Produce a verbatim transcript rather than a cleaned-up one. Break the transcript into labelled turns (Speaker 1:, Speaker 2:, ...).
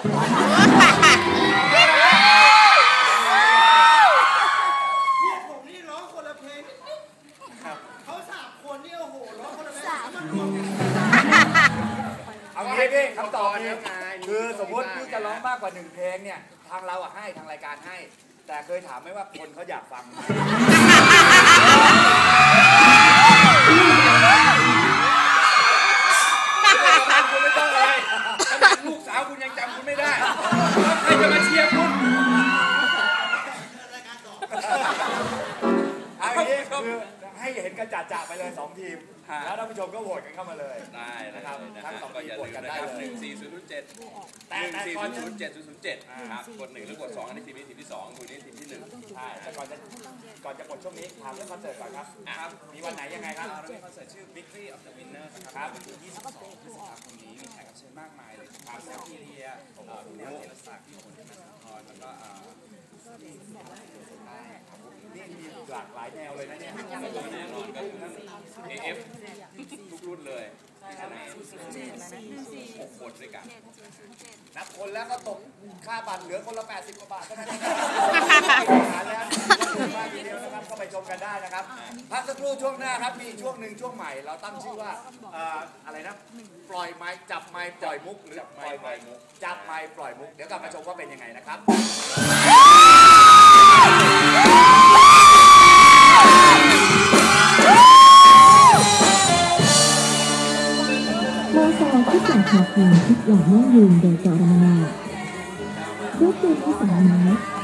Speaker 1: ผมนี่ร้องคนละเพลงเขาสามคนนี่โอ้โหร้องคนละเพลงมันรวมกัน
Speaker 2: เอางี้พี่คำตอบนี้คือสมมติพี่จะร้องมากกว่าหนึ่งเพลงเนี่ยทางเราอะให้ทางรายการให้แต่เคยถามไหมว่าคนเขาอยากฟังคุณไม่ต้องอะไรขนาดลูกสาวคุณยังจำคุณไม่ได้แล้วใครจะมาเชียร์คุณเอาอย่างนี้คือให้เห็นกันจ่าๆไปเลยสองทีมแล้วท่านผู้ชมก็โหวตกันเข้ามาเลยได้นะครับทั้งสองทีมโหวตกันได้เลยหนึ่งสี่ศูนย์ศูนย์เจ็ดหนึ่งสี่ศูนย์ศูนย์เจ็ดศูนย์ศูนย์เจ็ดครับกดหนึ่งหรือกดสองอันนี้ทีมนี้ทีมที่สองทีมนี้ทีมที่หนึ่งใช่แต่ก่อนจะก่อนจะกดช่วงนี้ถามเรื่องคอนเสิร์ตก่อนครับครับมีวันไหนยังไงครับเรามีคอนเสิร์ตชื่อ Victory of the Winners นะครับวันที่ยี่สิบสองพฤษภาคมนี้มีแขกรับเชิญมากมายเลยครับแซมพีเรียพี่แนวเจรศักดิ์พี่ฝนธนทรแล้วก็นี่มีหลากหลายแนวเลยนะเนี่ยแน่นอนก็ทั้ง เอ เอฟ ทุกรุ่นเลยหกคนด้วยกันนับคนแล้วก็ตกค่าบัตรเหลือคนละแปดสิบกว่าบาทเท่านั้นแล้วมากทีเดียวนะครับก็ไปชมกันได้นะครับพักสักครู่ช่วงหน้าครับมีช่วงหนึ่งช่วงใหม่เราตั้งชื่อว่าอะไรนะปล่อยไม้จับไม้ปล่อยมุกหรือจับไม้ปล่อยมุกจับไม้ปล่อยมุกเดี๋ยวกลับมาชมว่าเป็นยังไงนะครับ
Speaker 3: โมซอทุกอย่างคาเฟ่ทุกอย่างยั่งยืนโดยจอร์แดนรถยนต์ที่สามไม้